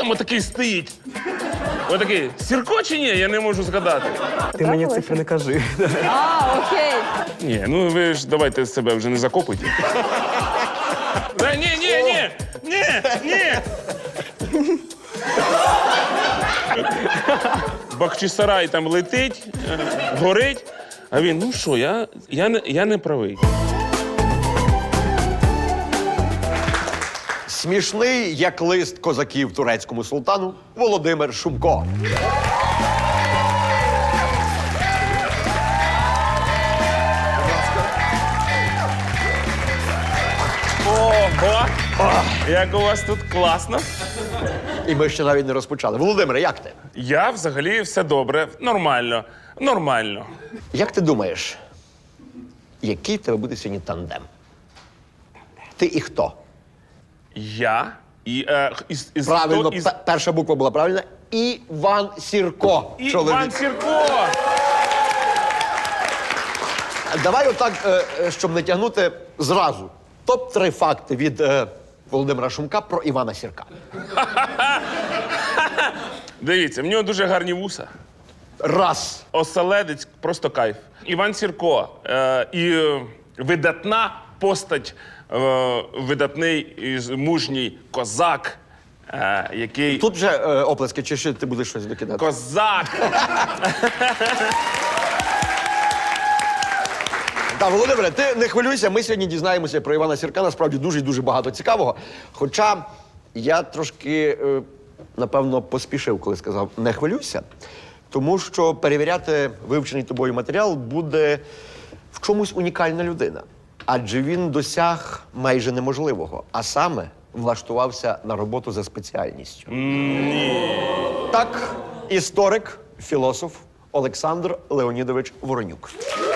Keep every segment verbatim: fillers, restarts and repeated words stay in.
там отакий стоїть? Отакий, Сірко чи ні? Я не можу згадати. Ти мені цифри не кажи. А, окей. Ні, ну ви ж давайте себе вже не закопуйте. Да, ні, ні, ні, ні, ні. Бахчисарай там летить, е, горить, а він, ну що, я, я, не, я не правий. Смішний, як лист козаків турецькому султану, Володимир Шумко. Ого! Як у вас тут класно. І ми ще навіть не розпочали. Володимире, як ти? Я взагалі все добре, нормально, нормально. Як ти думаєш, який в тебе буде сьогодні тандем? Ти і хто? Я і... Е, із, із, Правильно, хто із... пе- перша буква була правильна. Іван Сірко. І чоловік. Іван Сірко! Давай отак, е, е, щоб не тягнути зразу. Топ три факти від е, Володимира Шумка про Івана Сірка. Дивіться, в нього дуже гарні вуса. Раз. Оселедець просто кайф. Іван Сірко е, і е, видатна постать, е, видатний і мужній козак, е, який... Тут вже е, оплески, чи ще ти будеш щось докидати? Козак! Так, Володимире, ти не хвилюйся, ми сьогодні дізнаємося про Івана Сірка, насправді дуже і дуже багато цікавого. Хоча я трошки, е, напевно, поспішив, коли сказав «не хвилюйся», тому що перевіряти вивчений тобою матеріал буде в чомусь унікальна людина. Адже він досяг майже неможливого, а саме влаштувався на роботу за спеціальністю. Так, історик, філософ Олександр Леонідович Воронюк.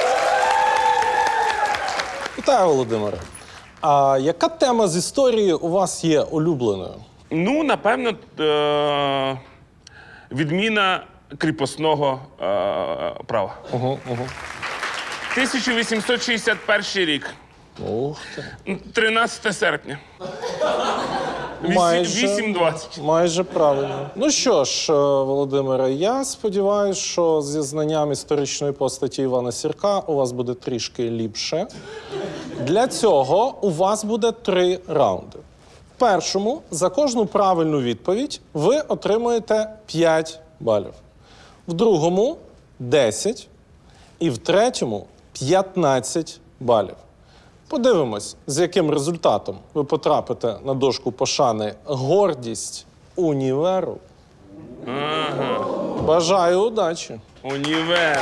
Вітаю, Володимире. А яка тема з історії у вас є улюбленою? Ну, напевно, е, відміна кріпосного е, права. Угу, угу. тисяча вісімсот шістдесят перший рік. Ух ти. тринадцяте серпня. Майже, вісім двадцять. майже правильно. Ну що ж, е, Володимире, я сподіваюся, що зі знанням історичної постаті Івана Сірка у вас буде трішки ліпше. Для цього у вас буде три раунди. В першому за кожну правильну відповідь ви отримуєте п'ять балів. В другому – десять. І в третьому – п'ятнадцять балів. Подивимось, з яким результатом ви потрапите на дошку пошани «Гордість універу». Ага. Бажаю удачі! Універ.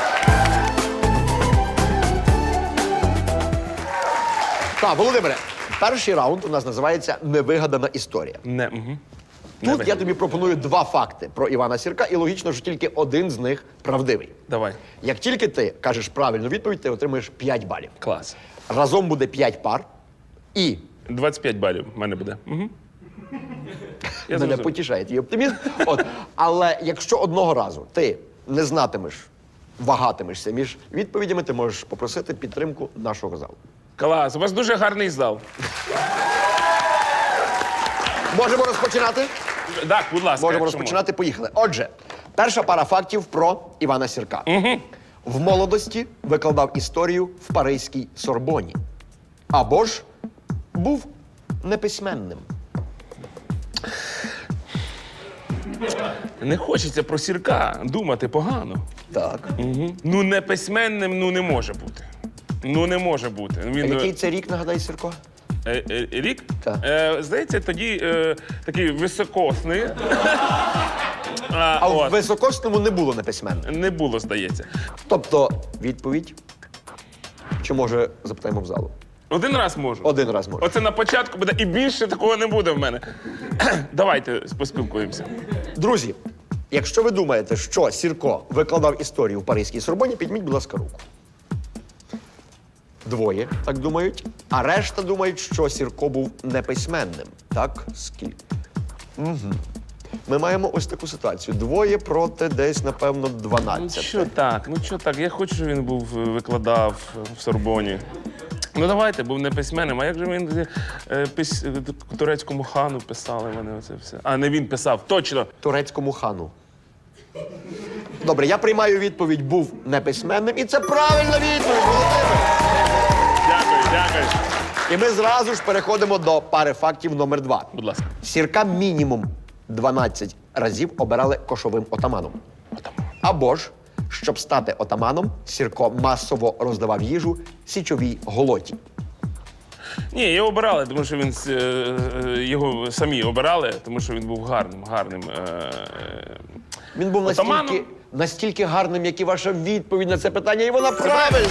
Так, Володимире, перший раунд у нас називається «Невигадана історія». Не, угу. Тут я тобі пропоную два факти про Івана Сірка, і логічно, що тільки один з них правдивий. Давай. Як тільки ти кажеш правильну відповідь, ти отримуєш п'ять балів. Клас. Разом буде п'ять пар, і двадцять п'ять балів в мене буде. Угу. Я мене зрозумів. потішає твій оптимізм. От. Але якщо одного разу ти не знатимеш, вагатимешся між відповідями, ти можеш попросити підтримку нашого залу. Клас. У вас дуже гарний зал. Можемо розпочинати? Так, будь ласка. Можемо якщо розпочинати, поїхали. Отже, перша пара фактів про Івана Сірка. Угу. В молодості викладав історію в Паризькій Сорбоні. Або ж був неписьменним. можна. Не хочеться про Сірка думати погано. Так. Угу. Ну, не письменним, ну, не може бути. Ну, не може бути. Він, А який це рік, нагадай, Сірко? Е, е, рік? Так. Е, здається, тоді е, такий високосний. А, А в от. високосному не було неписьменним. Не було, здається. Тобто, відповідь? Чи може запитаємо в залу? Один раз можу. Один раз може. Оце на початку буде, і більше такого не буде в мене. Давайте поспілкуємося. Друзі, якщо ви думаєте, що Сірко викладав історію в Паризькій Сорбоні, підміть, будь ласка, руку. Двоє так думають, а решта думають, що Сірко був неписьменним. Так? Скільки? Угу. Ми маємо ось таку ситуацію. Двоє проти десь, напевно, Ну дванадцять. що так, ну що так, я хочу, щоб він був, викладав в Сорбоні. Ну давайте, був не письменним. А як же він е, пис... турецькому хану писали вони оце все? А не він писав, точно. Турецькому хану. Добре, я приймаю відповідь, був неписьменним, і це правильна відповідь, Володимир. Дякую, дякую. І ми зразу ж переходимо до пари фактів номер два. Будь ласка. Сірка мінімум дванадцять разів обирали кошовим отаманом. Або ж, щоб стати отаманом, Сірко масово роздавав їжу січовій голоті. Ні, його обирали, тому що він е, е, його самі обирали, тому що він був гарним, гарним. Е, е, Він був настільки, Отаманом? настільки гарним, як і ваша відповідь на це питання, і вона правильна.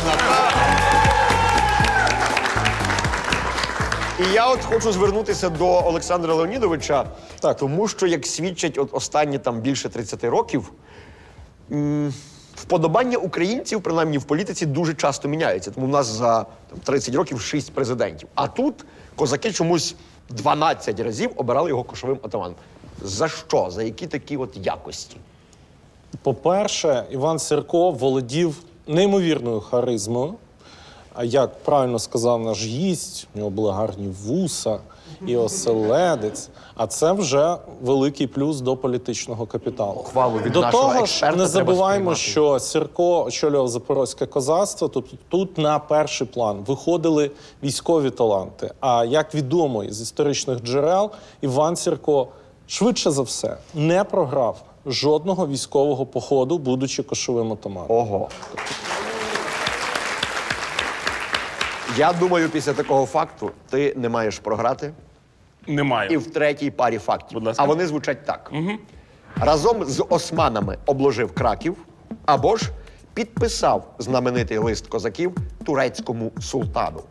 І я от хочу звернутися до Олександра Леонідовича, Так. тому що, як свідчать от останні там більше тридцяти років, м, вподобання українців, принаймні в політиці, дуже часто міняються. Тому в нас за там, тридцять років шість президентів. А тут козаки чомусь дванадцять разів обирали його кошовим отаманом. За що? За які такі от якості? По-перше, Іван Сірко володів неймовірною харизмою. А як правильно сказав наш гість, у нього були гарні вуса і оселедець. А це вже великий плюс до політичного капіталу. Хвалу від до нашого того ж, експерта не треба забуваємо, сприймати. що Сірко очолював Запорозьке козацтво. Тобто тут на перший план виходили військові таланти. А як відомо із історичних джерел, Іван Сірко швидше за все не програв жодного військового походу, будучи кошовим отаманом. Ого. Я думаю, після такого факту ти не маєш програти. немає. І в третій парі фактів. Будь ласка. А вони звучать так. Угу. Разом з османами обложив Краків, або ж підписав знаменитий лист козаків турецькому султану.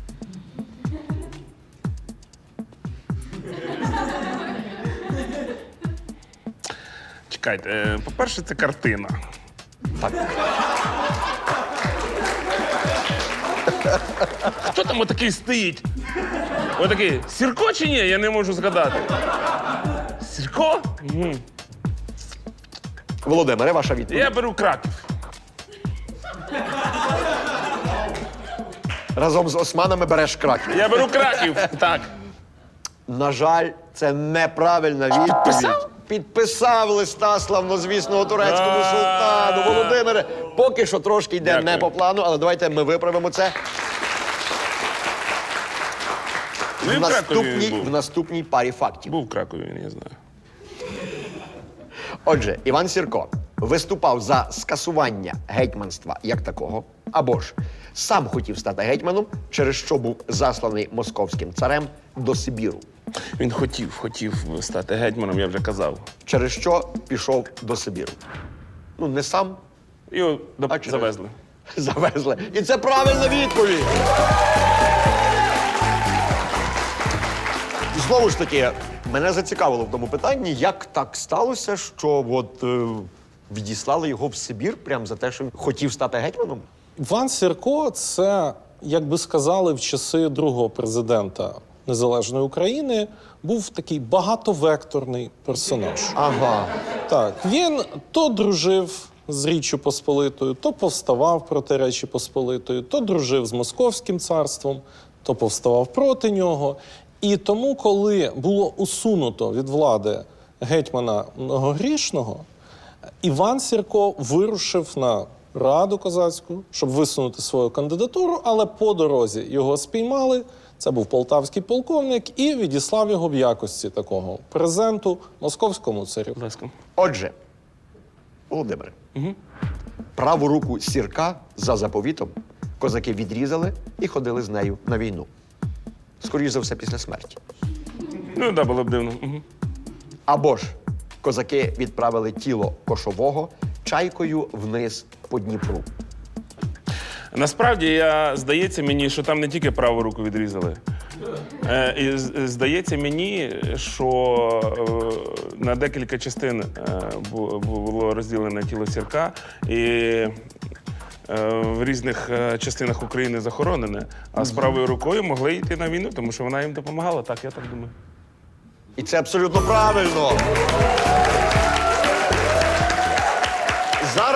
Чекайте, е, по-перше, це картина. Так. Хто там отакий стоїть? Отакий, Сірко чи ні? Я не можу згадати. Сірко? Угу. Володимире, ваша відповідь. Я беру Краків. Разом з османами береш Краків. Я беру Краків, так. На жаль, це неправильна відповідь. Підписав? Підписав листа славнозвісного турецькому А. султану. Володимире, поки що трошки йде Дякую. не по плану, але давайте ми виправимо це. Ну, і В в Кракові наступній, був. в наступній парі фактів. Був в Кракові, я не знаю. Отже, Іван Сірко виступав за скасування гетьманства як такого, або ж сам хотів стати гетьманом, через що був засланий московським царем до Сибіру, Він хотів, хотів стати гетьманом, я вже казав. через що пішов до Сибіру. Ну, не сам, Його до... А через- завезли. завезли. І це правильна відповідь. Знову ж таки, мене зацікавило в тому питанні, як так сталося, що от е, відіслали його в Сибір прямо за те, що він хотів стати гетьманом? Іван Сірко – це, як би сказали в часи другого президента Незалежної України, був такий багатовекторний персонаж. Ага. Так, він то дружив з Річчю Посполитою, то повставав проти Речі Посполитої, то дружив з Московським царством, то повставав проти нього. І тому, коли було усунуто від влади гетьмана Многогрішного, Іван Сірко вирушив на Раду козацьку, щоб висунути свою кандидатуру, але по дорозі його спіймали. Це був полтавський полковник і відіслав його в якості такого презенту московському царю. Будь ласка. Отже, Володимире, угу. праву руку Сірка за заповітом козаки відрізали і ходили з нею на війну. Скоріше за все, після смерті. Ну, так, да, було б дивно. Угу. Або ж козаки відправили тіло кошового чайкою вниз по Дніпру. Насправді, я, здається мені, що там не тільки праву руку відрізали. Е, і з- здається мені, що е, на декілька частин е, бу- було розділене тіло Сірка, і е, в різних е, частинах України захоронене, а з правою рукою могли йти на війну, тому що вона їм допомагала. Так, я так думаю. І це абсолютно правильно. Зараз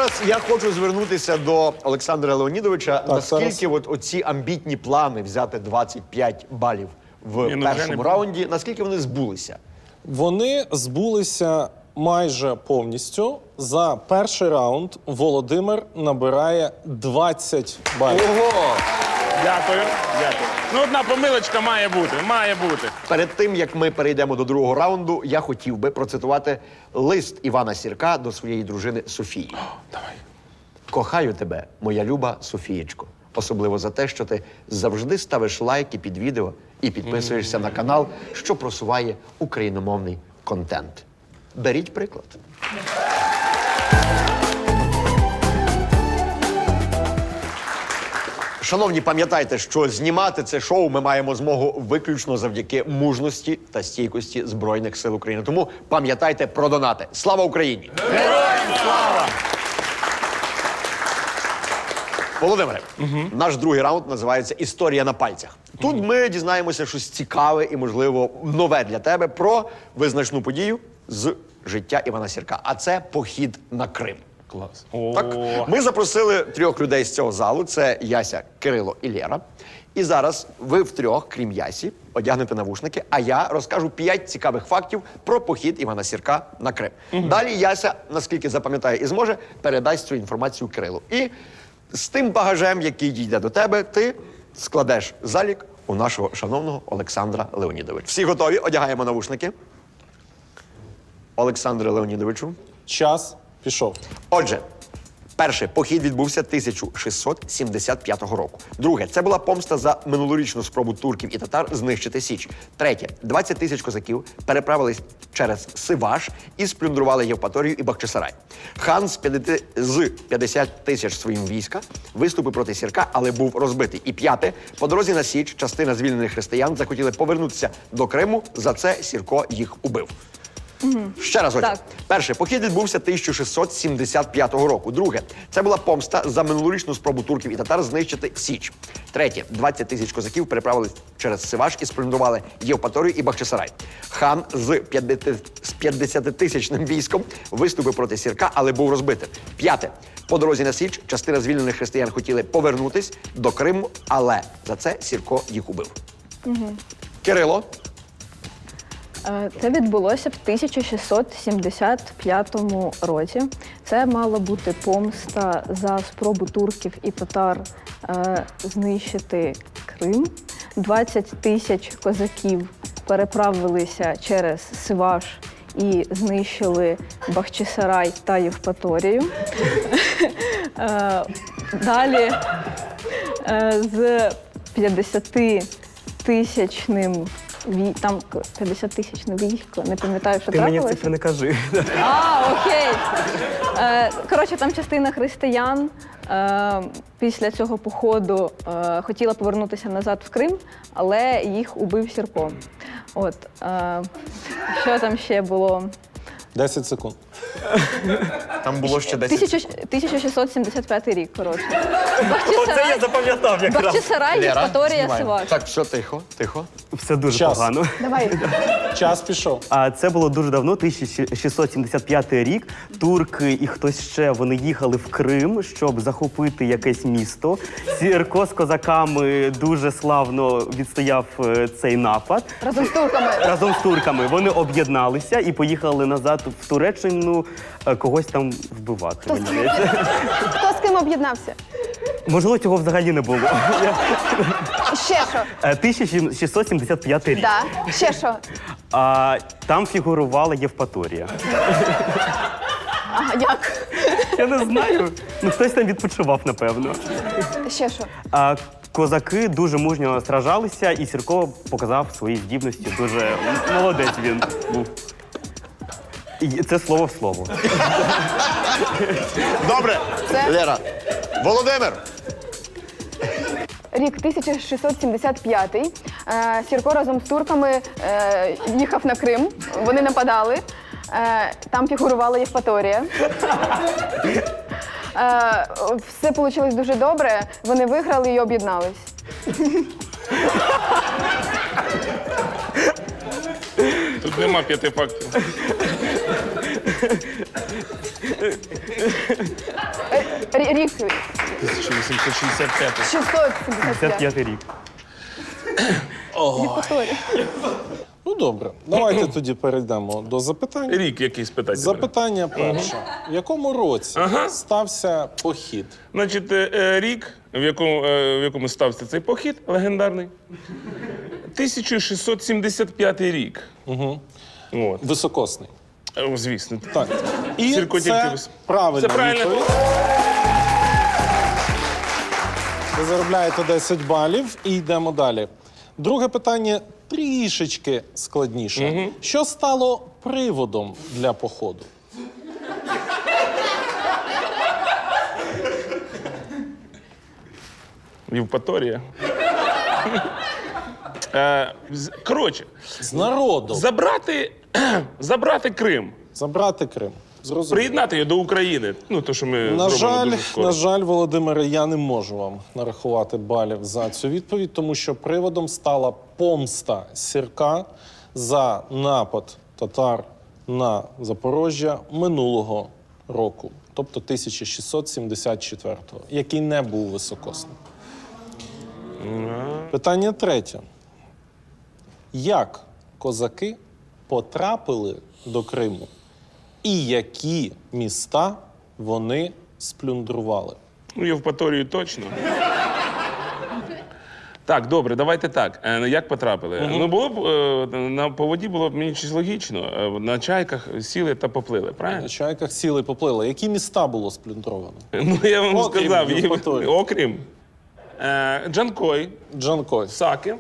зараз я хочу звернутися до Олександра Леонідовича. Наскільки зараз. от оці амбітні плани взяти двадцять п'ять балів в Ні, ну, вже першому не- раунді, наскільки вони збулися? Вони збулися майже повністю. За перший раунд Володимир набирає двадцять балів. Ого! Дякую, дякую. Ну, одна помилочка має бути, має бути. Перед тим, як ми перейдемо до другого раунду, я хотів би процитувати лист Івана Сірка до своєї дружини Софії. Давай. Кохаю тебе, моя люба Софієчко. Особливо за те, що ти завжди ставиш лайки під відео і підписуєшся на канал, що просуває україномовний контент. Беріть приклад. Шановні, пам'ятайте, що знімати це шоу ми маємо змогу виключно завдяки мужності та стійкості Збройних сил України. Тому пам'ятайте про донати. Слава Україні! Героям слава! Володимире, наш другий раунд називається «Історія на пальцях». Тут ми дізнаємося щось цікаве і, можливо, нове для тебе про визначну подію з життя Івана Сірка. А це похід на Крим. Клас. Так, ми запросили трьох людей з цього залу. Це Яся, Кирило і Лєра. І зараз ви втрьох, крім Ясі, одягнете навушники, а я розкажу п'ять цікавих фактів про похід Івана Сірка на Крим. Далі Яся, наскільки запам'ятає і зможе, передасть цю інформацію Кирилу. І з тим багажем, який дійде до тебе, ти складеш залік у нашого шановного Олександра Леонідовича. Всі готові? Одягаємо навушники. Олександре Леонідовичу. Час пішов. Отже, перше, похід відбувся тисяча шістсот сімдесят п'ятого року. Друге, це була помста за минулорічну спробу турків і татар знищити Січ. Третє, двадцять тисяч козаків переправились через Сиваш і сплюндрували Євпаторію і Бахчисарай. Хан з п'ятдесят тисяч своїм війська виступив проти Сірка, але був розбитий. І п'яте, по дорозі на Січ частина звільнених християн захотіли повернутися до Криму, за це Сірко їх убив. Ще раз, отже. Так. Перше, похід відбувся тисяча шістсот сімдесят п'ятого року. Друге, це була помста за минулорічну спробу турків і татар знищити Січ. Третє, двадцять тисяч козаків переправились через Сиваш і сплюндрували Євпаторію і Бахчисарай. Хан з п'ятдесятитисячним військом виступив проти Сірка, але був розбитий. П'яте, по дорозі на Січ частина звільнених християн хотіли повернутись до Криму, але за це Сірко їх убив. Угу. Кирило. Е, Це відбулося в тисяча шістсот сімдесят п'ятому році. Це мала бути помста за спробу турків і татар е, знищити Крим. двадцять тисяч козаків переправилися через Сиваш і знищили Бахчисарай та Євпаторію. Е, Далі е, з п'ятдесятитисячним Вій... Там п'ятдесятитисячне військо, не пам'ятаю, що Ти мені трапилось. цифри не кажи. А, окей. Е, коротше, там частина християн е, після цього походу е, хотіла повернутися назад в Крим, але їх убив Сірко. От, е, що там ще було? десять секунд. Там було ще десять. Тисяча- тисяча шістсот сімдесят п'ятий рік, коротше. Оце я запам'ятав якраз. Бахчисарай, Євпаторія, знімаємо. Сиваш. Так, все, тихо, тихо. Все дуже Час. погано. Давай. Час пішов. А це було дуже давно, тисяча шістсот сімдесят п'ятий рік. Турки і хтось ще вони їхали в Крим, щоб захопити якесь місто. Сірко з козаками дуже славно відстояв е, цей напад. Разом з турками. Разом з турками вони об'єдналися і поїхали назад в Туреччину е, когось там вбивати. мені здається. Хто з ким об'єднався? Можливо, цього взагалі не було. Ще що? Е, тисяча шістсот сімдесят п'ятий рік. Да. Ще що? А там фігурувала Євпаторія. Ага, як? Я не знаю. Ну, хтось там відпочивав, напевно. Ще що? А козаки дуже мужньо сражалися, і Сірко показав свої здібності. Дуже молодець він був. І це слово в слово. Добре, Це- Лера. Володимир. Рік тисяча шістсот сімдесят п'ятий. Е, Сірко разом з турками е, їхав на Крим. Вони нападали. Е, там фігурувала Євпаторія. Е, все вийшло дуже добре. Вони виграли і об'єднались. Тут нема п'яти фактів. Рі- Рік тисяча вісімсот шістдесят п'ятий. шістсот сімдесят п'ятий. п'ятдесят п'ятий рік. Ну добре, давайте тоді перейдемо до запитань. Рік якийсь питання. Запитання перше. В якому році Ага. стався похід? Значить, е, е, рік, в якому, е, в якому стався цей похід легендарний. тисяча шістсот сімдесят п'ятий рік. Угу. От. Високосний. Е, Звісно. Так. І Сірко тільки це вис- правильна Це правильно. відповідь. Ви заробляєте десять балів і йдемо далі. Друге питання трішечки складніше. Що стало приводом для походу? Євпаторія. Е, з- Коротше, З народом. забрати, забрати Крим, Забрати Крим. Зрозуміло. приєднати його до України. Ну, то, що ми На зробимо жаль, дуже скоро. на жаль, Володимире, я не можу вам нарахувати балів за цю відповідь, тому що приводом стала помста Сірка за напад татар на Запоріжжя минулого року, тобто тисяча шістсот сімдесят четвертого, який не був високосним. Питання третє. Як козаки потрапили до Криму і які міста вони сплюндрували? Ну, Євпаторію точно. Так, добре, давайте так. Е, Як потрапили? Ну, було б е, на по воді було б мені щось логічно. Е, На чайках сіли та поплили, На правильно? чайках сіли і поплили. Які міста було сплюндровано? Ну, я вам Окрім сказав, Єв- Євпаторії. окрім е, Джанкой, Джанкой. Саки.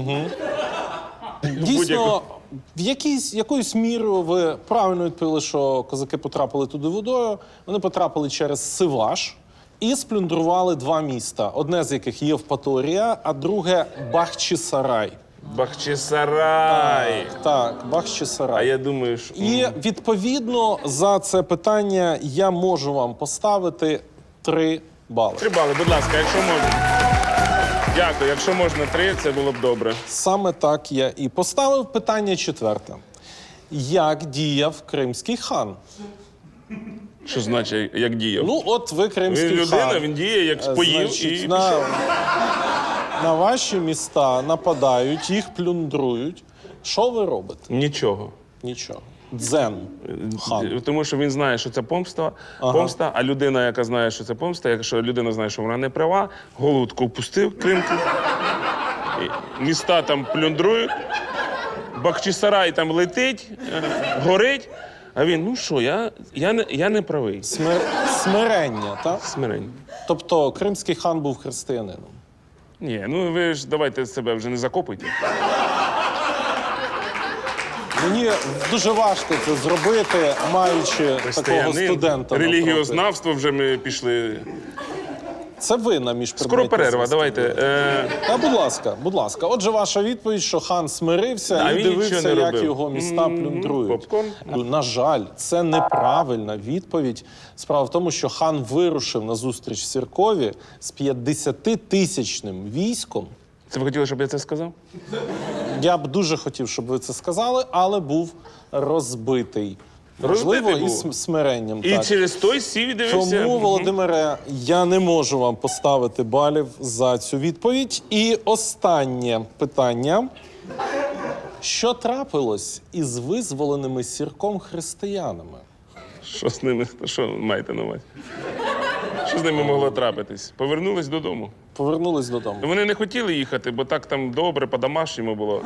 Дійсно, в якійсь, якоюсь мірою ви правильно відповіли, що козаки потрапили туди водою. Вони потрапили через Сиваш і сплюндрували два міста. Одне з яких Євпаторія, а друге Бахчисарай. Бахчисарай. Так, А Бахчисарай. я думаю, що... І відповідно за це питання я можу вам поставити три бали. Три бали, будь ласка, якщо можна. Дякую, якщо можна три, це було б добре. Саме так я і поставив. Питання четверте. Як діяв кримський хан? Що значить, як діяв? Ну, от ви він кримський людина, хан. він діє, як Е, споїв Значить, і на, пішов. на ваші міста нападають, їх плюндрують. Що ви робите? Нічого. Нічого. Дзен. Хан. Тому що він знає, що це помста, помста, а людина, яка знає, що це помста, якщо людина знає, що вона не права, голову таку впустив, кримку, і міста там плюндрують, Бахчисарай там летить, е, горить, а він, ну що, я, я, не, я не правий. Смир... Смирення, так? Смирень. Тобто кримський хан був християнином. Ні, ну ви ж давайте себе вже не закопуйте. Мені дуже важко це зробити, маючи такого студента. навпроти. релігіознавство вже ми пішли. Це ви на Скоро міжпредметній перерва, зв'язку. давайте. Е, Та, будь ласка, будь ласка. Отже, ваша відповідь, що хан смирився А і він нічого дивився, не як робив. його міста М, плюндрують. попкорн. На жаль, це неправильна відповідь. Справа в тому, що хан вирушив на зустріч Сіркові з п'ятдесятитисячним військом. це ви хотіли, щоб я це сказав? Я б дуже хотів, щоб ви це сказали, але був розбитий. Можливо, Розбитий і був. см- смиренням. І так. через той сів і дивився. Тому, Мгм. Володимире, я не можу вам поставити балів за цю відповідь. І останнє питання. Що трапилось із визволеними Сірком християнами? Що з ними? Що маєте на увазі? Що з ними могло трапитись? Повернулись додому. Повернулись додому. Вони не хотіли їхати, бо так там добре, по-домашньому було.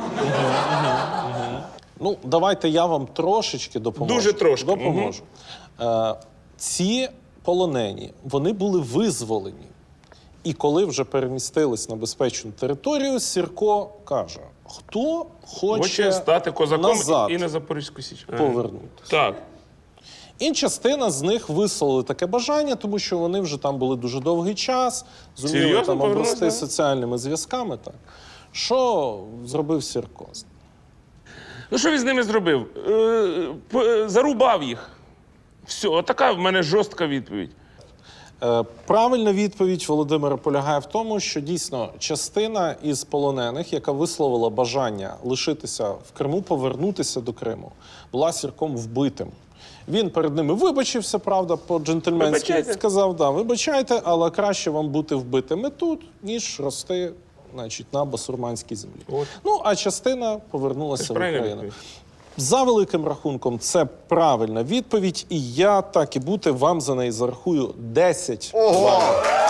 Ну, давайте я вам трошечки допоможу. Дуже трошки, Допоможу. Е, ці полонені, вони були визволені. І коли вже перемістились на безпечну територію, Сірко каже, хто хоче, Хоче стати козаком назад і на Запорізьку Січ. Ага. повернутися. Так. І частина з них висловили таке бажання, тому що вони вже там були дуже довгий час, зуміли Серйозно там повернулися, обрости да? соціальними зв'язками. Так. Що зробив Сірко? Ну що він з ними зробив? Е, п- е, зарубав їх. Все, отака в мене жорстка відповідь. Е, Правильна відповідь, Володимира, полягає в тому, що дійсно частина із полонених, яка висловила бажання лишитися в Криму, повернутися до Криму, була Сірком вбитим. Він перед ними вибачився, правда, по-джентльменськи. Вибачайте. Сказав, да, вибачайте, але краще вам бути вбитими тут, ніж рости, значить, на басурманській землі. Ну, а частина повернулася в правильна Україну. відповідь. За великим рахунком, це правильна відповідь, і я так і бути вам за неї зарахую десять. Ого!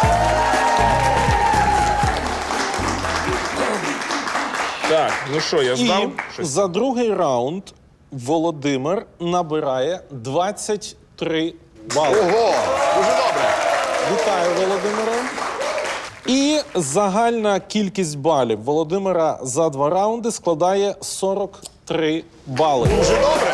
Так, ну що, я І здав? Щось? за другий раунд Володимир набирає двадцять три бали. Ого! Дуже добре. Вітаю, Володимире. І загальна кількість балів Володимира за два раунди складає сорок три бали. Дуже добре.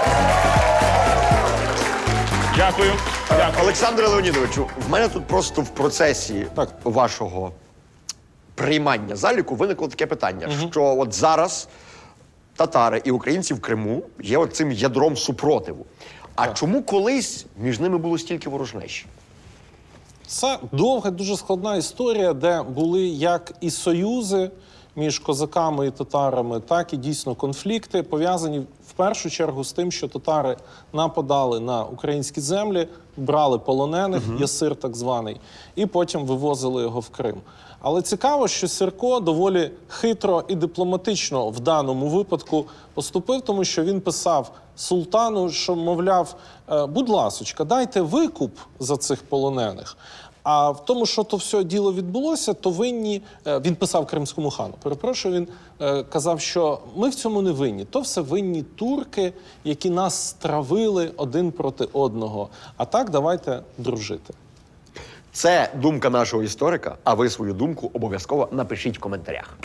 Дякую. Дякую. Олександре Леонідовичу, в мене тут просто в процесі Так. вашого приймання заліку виникло таке питання, що от зараз татари і українці в Криму є от цим ядром супротиву. А чому колись між ними було стільки ворожнечі? Це довга, дуже складна історія, де були як і союзи між козаками і татарами, так і дійсно конфлікти, пов'язані в першу чергу з тим, що татари нападали на українські землі, брали полонених, ясир так званий, і потім вивозили його в Крим. Але цікаво, що Сірко доволі хитро і дипломатично в даному випадку поступив, тому що він писав султану, що, мовляв, «Е, будь ласочка, дайте викуп за цих полонених. А в тому, що то все діло відбулося, то винні, е, він писав кримському хану, перепрошую, він е, казав, що ми в цьому не винні. То все винні турки, які нас стравили один проти одного. А так давайте дружити. Це думка нашого історика, а ви свою думку обов'язково напишіть в коментарях.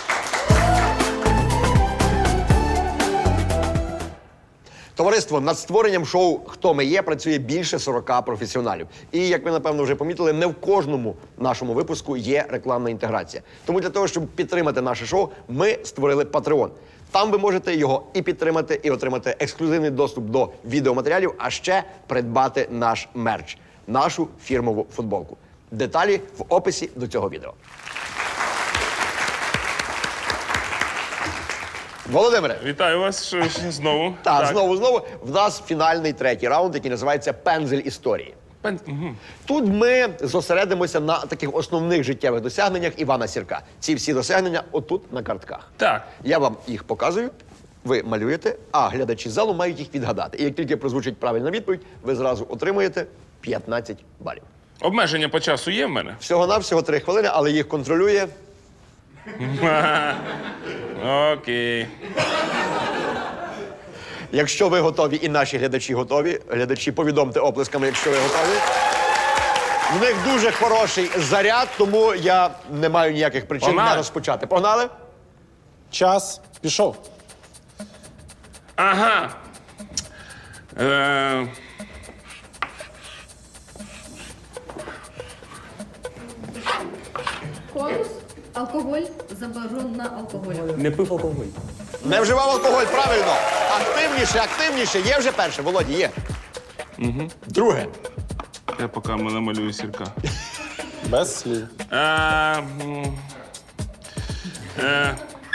Товариство, над створенням шоу «Хто ми є» працює більше сорока професіоналів. І, як ви, напевно, вже помітили, не в кожному нашому випуску є рекламна інтеграція. Тому для того, щоб підтримати наше шоу, ми створили Patreon. Там ви можете його і підтримати, і отримати ексклюзивний доступ до відеоматеріалів, а ще придбати наш мерч, нашу фірмову футболку. Деталі в описі до цього відео. Володимире, Вітаю вас ще- ще знову. так, знову, знову, в нас фінальний третій раунд, який називається «Пензель історії». Пен- мгм. Тут ми зосередимося на таких основних життєвих досягненнях Івана Сірка. Ці всі досягнення отут на картках. Так. Я вам їх показую, ви малюєте, а глядачі залу мають їх відгадати. І як тільки прозвучить правильна відповідь, ви зразу отримуєте п'ятнадцять балів. Обмеження по часу є в мене? Всього-навсього три хвилини, але їх контролює. Окей. Якщо ви готові і наші глядачі готові, глядачі, повідомте оплесками, якщо ви готові. В них дуже хороший заряд, тому я не маю ніяких причин Погнали. не розпочати. Погнали? Час пішов. Ага. Е... Конус, алкоголь, заборона алкоголю. Не пив алкоголь. Не вживав алкоголь, правильно. Активніше, активніше. Є вже перше, Володі, є. Угу. Друге. Я поки намалюю Сірка. Без слів. Е... м, е,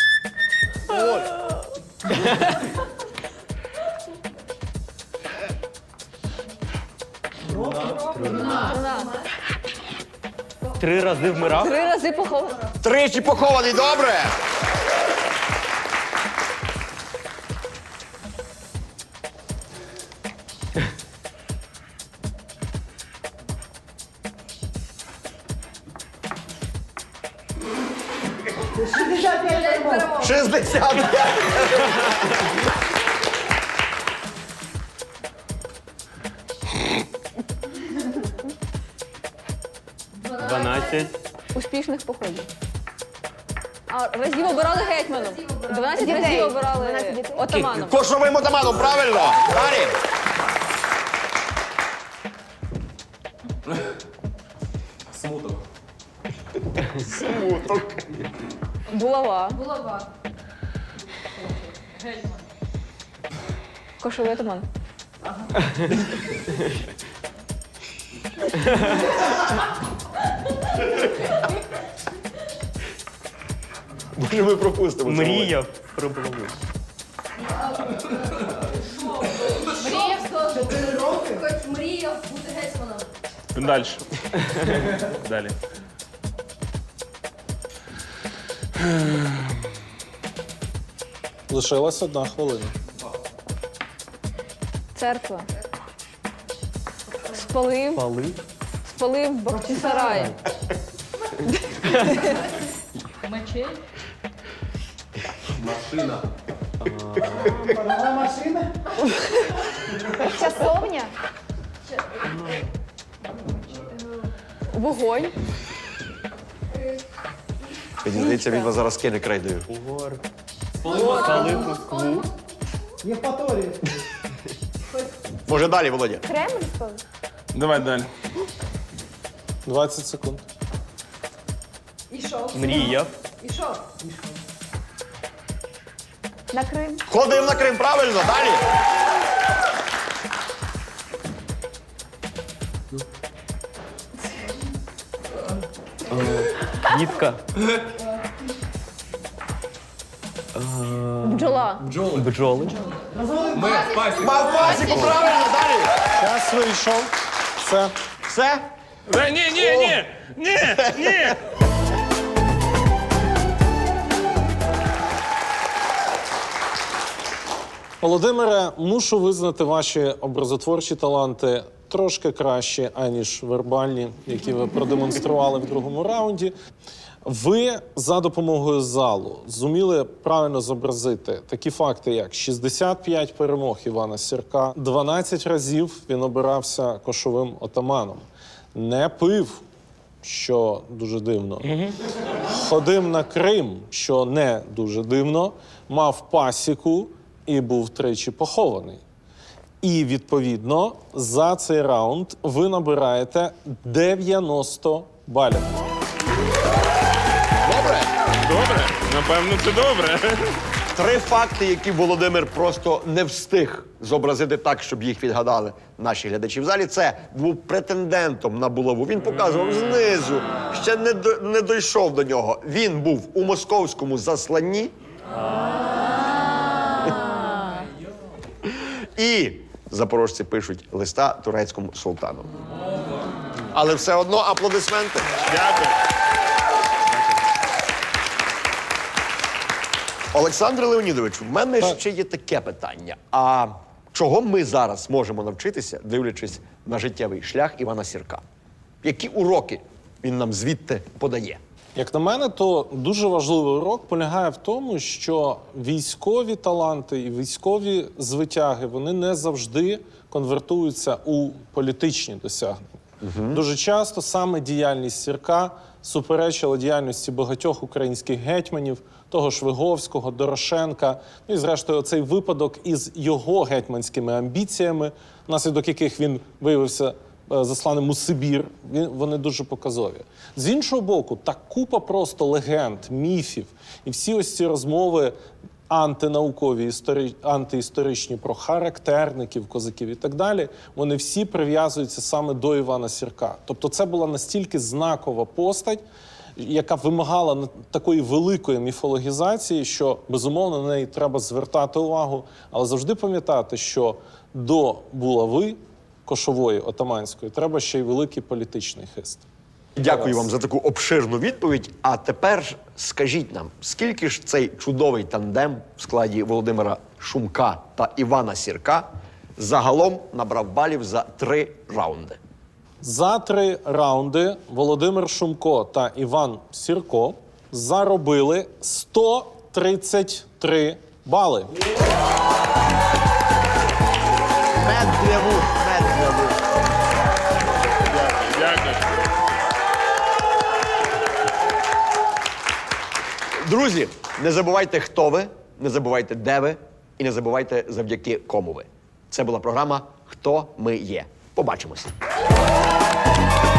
Три рази вмирав. Три рази похований. Тричі похований, добре. шістдесят п'ять. дванадцять. Успішних походів. А разів обирали гетьманом. дванадцять Дітей. разів обирали дванадцять дітей. отаманом. Кошовим отаманом, правильно. Далі. Смуток. Булава. Булава. Кошовий отаман. Може, ми пропустимо. це, Володя? Мріяв про булаву. Мріяв мріяв бути гетьманом? Далі. Далі. Лишилась одна хвилина. Церква. Спалив. Пали. Спалив Бахчисарай. Мечей? Часовня. Вогонь. Мені здається, він вас зараз кине крейдою. Палив Москву. Може далі, Володя? Кремль спалив. Давай далі. двадцять секунд. Ішов. Мріяв. Ішов. На Крим. Ходив на Крим, правильно, далі. Квітка. Бджола. Бджоли. Мав пасіку, правильно, далі. Час вийшов. Все. Все? Е, Ні, ні, ні! Ні! Ні! Володимире, мушу визнати ваші образотворчі таланти трошки кращі, аніж вербальні, які ви продемонстрували в другому раунді. Ви за допомогою залу зуміли правильно зобразити такі факти, як шістдесят п'ять перемог Івана Сірка, дванадцять разів він обирався кошовим отаманом, не пив, що дуже дивно, ходив на Крим, що не дуже дивно, мав пасіку і був тричі похований. І, відповідно, за цей раунд ви набираєте дев'яносто балів. Добре. Добре, напевно, це добре. Три факти, які Володимир просто не встиг зобразити так, щоб їх відгадали наші глядачі в залі. Це був претендентом на булаву. Він показував знизу, ще не, до, не дійшов до нього. Він був у московському засланні. І запорожці пишуть листа турецькому султану. Але все одно аплодисменти. Дякую. Олександре Леонідовичу, в мене ще є таке питання. А чого ми зараз можемо навчитися, дивлячись на життєвий шлях Івана Сірка? Які уроки він нам звідти подає? Як на мене, то дуже важливий урок полягає в тому, що військові таланти і військові звитяги, вони не завжди конвертуються у політичні досягнення. Угу. Дуже часто саме діяльність Сірка суперечила діяльності багатьох українських гетьманів, того ж Виговського, Дорошенка, ну і зрештою цей випадок із його гетьманськими амбіціями, внаслідок яких він виявився засланим у Сибір, вони дуже показові. З іншого боку, та купа просто легенд, міфів і всі ось ці розмови антинаукові, історі... антиісторичні про характерників, козаків і так далі, вони всі прив'язуються саме до Івана Сірка. Тобто це була настільки знакова постать, яка вимагала такої великої міфологізації, що, безумовно, на неї треба звертати увагу, але завжди пам'ятати, що до булави кошової, отаманської, треба ще й великий політичний хист. Дякую вам за таку обширну відповідь. А тепер скажіть нам, скільки ж цей чудовий тандем в складі Володимира Шумка та Івана Сірка загалом набрав балів за три раунди? За три раунди Володимир Шумко та Іван Сірко заробили сто тридцять три бали. Мед для вух, мед для вух. Дякую. Друзі, не забувайте, хто ви, не забувайте, де ви, і не забувайте, завдяки кому ви. Це була програма «Хто ми є». Побачимося.